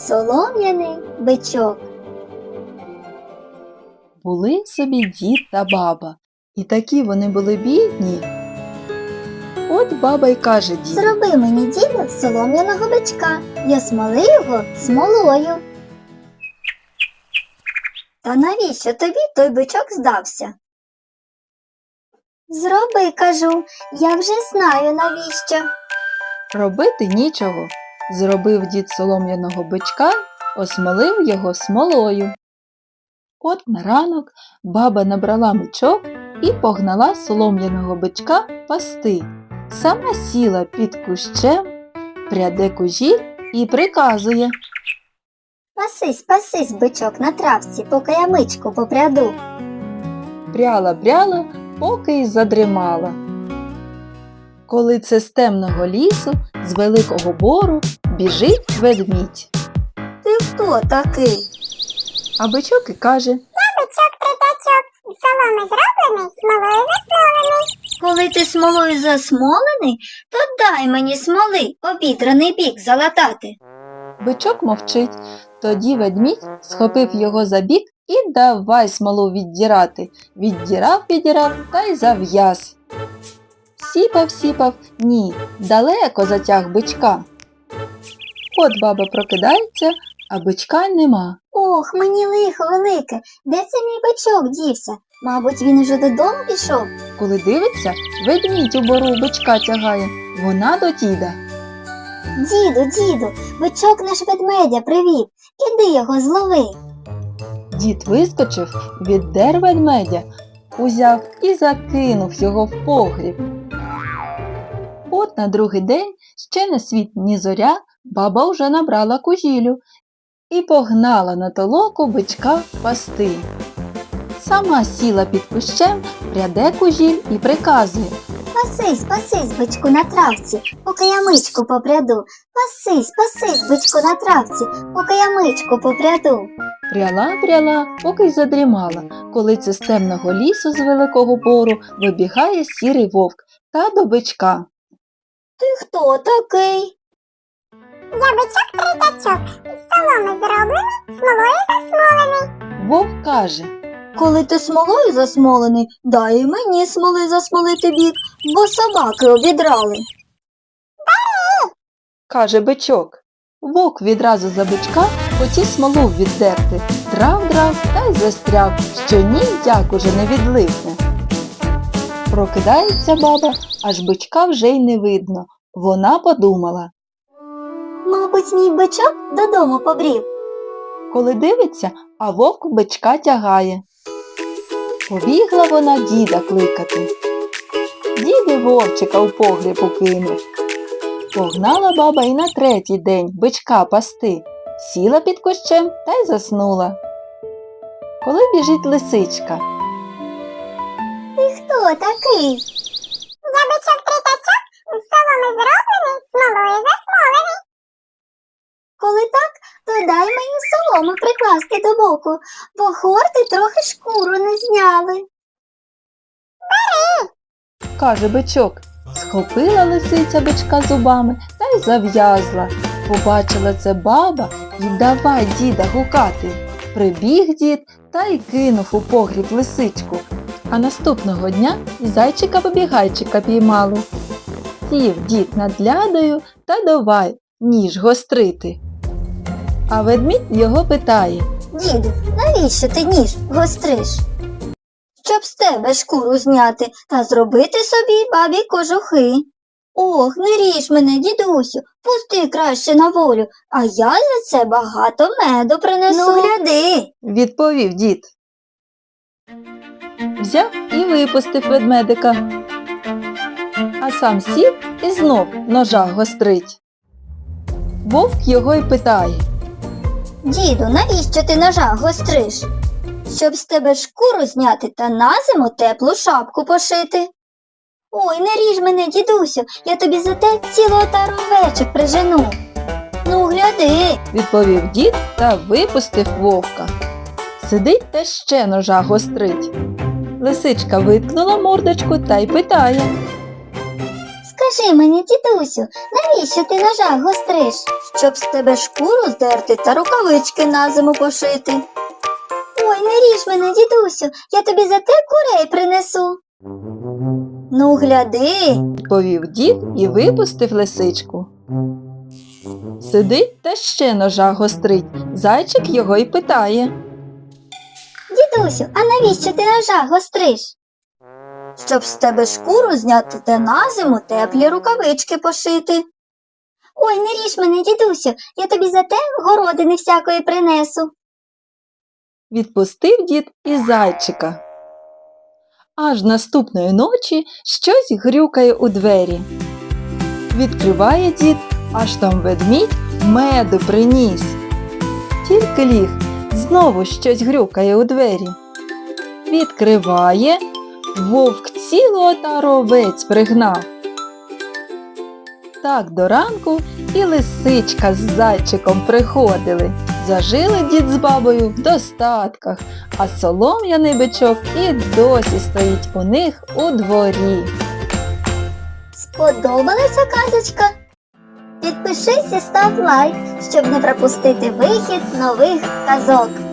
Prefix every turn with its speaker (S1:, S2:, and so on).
S1: Солом'яний бичок.
S2: Були собі дід та баба, і такі вони були бідні. От баба й каже діду:
S1: Зроби мені, діду, солом'яного бичка, я смоли його смолою. Та навіщо тобі той бичок здався? Зроби, кажу, я вже знаю навіщо.
S2: робити нічого. Зробив дід солом'яного бичка, осмолив його смолою. От на ранок баба набрала мішок і погнала солом'яного бичка пасти. Сама сіла під кущем, пряде кужіль і приказує:
S1: Пасись, пасись, бичок на травці, поки я мичку попряду.
S2: пряла, поки й задрімала. Коли це з темного лісу, з великого бору, біжить ведмідь.
S1: Ти хто такий?
S2: А бичок і каже:
S3: Бичок-тритачок, з соломи зроблений, смолою засмолений.
S1: Коли ти смолою засмолений, то дай мені смоли обідраний бік залатати.
S2: Бичок мовчить. Тоді ведмідь схопив його за бік і давай смолу віддірати. Віддірав та й зав'яз. Сіпав, ні, далеко затяг бичка. От баба прокидається, а бичка нема.
S1: Ох, мені лихо велике, де це мій бичок дівся? Мабуть, він уже додому пішов.
S2: Коли дивиться, ведмідь у бору бичка тягає. Вона до діда.
S1: Діду, бичок наш ведмедя привів, іди його злови.
S2: Дід вискочив, віддер ведмедя, узяв і закинув його в погріб. От на другий день, ще не світ ні зоря, баба вже набрала кужілю і погнала на толоку бичка пасти. Сама сіла під кущем, пряде кужіль і приказує:
S1: Пасись, бичку на травці, поки я мичку попряду. Пасись, бичку на травці, поки я мичку попряду.
S2: пряла, поки й задрімала, коли це з темного лісу з великого бору вибігає сірий вовк та до бичка.
S1: Ти хто такий?
S3: Я бичок-тритачок, з соломи зроблений, смолою засмолений.
S2: Вовк каже:
S1: Коли ти смолою засмолений, дай і мені смоли засмолити бік, бо собаки обідрали.
S2: каже бичок. Вовк відразу за бичка хотів смолу віддерти. Драв та й застряв, що ніяк уже не відлипне. Прокидається баба, аж бичка вже й не видно. Вона подумала.
S1: Мабуть, мій бичок додому побрів.
S2: Коли дивиться, а вовк бичка тягає. Побігла вона діда кликати. Дід і вовчика у погріб укинув. Погнала баба й на третій день бичка пасти. Сіла під кущем та й заснула. Коли біжить лисичка.
S1: Ти хто такий?
S3: Я бичок-тритачок, з соломи зроблений, смолою засмолений.
S1: Коли так, то дай мені солому прикласти до боку, бо хорти трохи шкуру не зняли.
S2: Каже бичок. Схопила лисиця бичка зубами та й зав'язла. Побачила це баба і давай діда гукати. Прибіг дід та й кинув у погріб лисичку. А наступного дня і зайчика-побігайчика піймали. Сів дід над лядою та давай ніж гострити. А ведмідь його питає:
S1: Діду, навіщо ти ніж гостриш? Щоб з тебе шкуру зняти та зробити собі бабі кожухи. Ох, не ріж мене, дідусю, пусти краще на волю, а я за це багато меду принесу. Ну, гляди.
S2: відповів дід. Взяв і випустив ведмедика. А сам сів і знов ножа гострить. Вовк його й питає:
S1: Діду, навіщо ти ножа гостриш? Щоб з тебе шкуру зняти та на зиму теплу шапку пошити. Ой, не ріж мене, дідусю, я тобі за те цілу отару овечок прижену. Ну, гляди.
S2: відповів дід та випустив вовка. Сидить та ще ножа гострить. Лисичка виткнула мордочку та й питає:
S1: Скажи мені, дідусю, навіщо ти ножа гостриш? Щоб з тебе шкуру здерти та рукавички на зиму пошити. Ой, не ріж мене, дідусю, я тобі за те курей принесу. Ну, гляди.
S2: Відповів дід і випустив лисичку. Сидить та ще ножа гострить. Зайчик його й питає.
S1: Дідусю, а навіщо ти ножа гостриш? Щоб з тебе шкуру зняти та на зиму теплі рукавички пошити. Ой, не ріж мене, дідусю, я тобі за те городини всякої принесу.
S2: Відпустив дід і зайчика. Аж наступної ночі щось грюкає у двері. Відкриває дід, аж там ведмідь меду приніс. Тільки ліг, знову щось грюкає у двері. Відкриває, вовк цілу отару овець пригнав. Так до ранку і лисичка з зайчиком приходили. Зажили дід з бабою в достатках, а солом'яний бичок і досі стоїть у них у дворі.
S1: Сподобалася казочка? Підпишись і став лайк, щоб не пропустити вихід нових казок.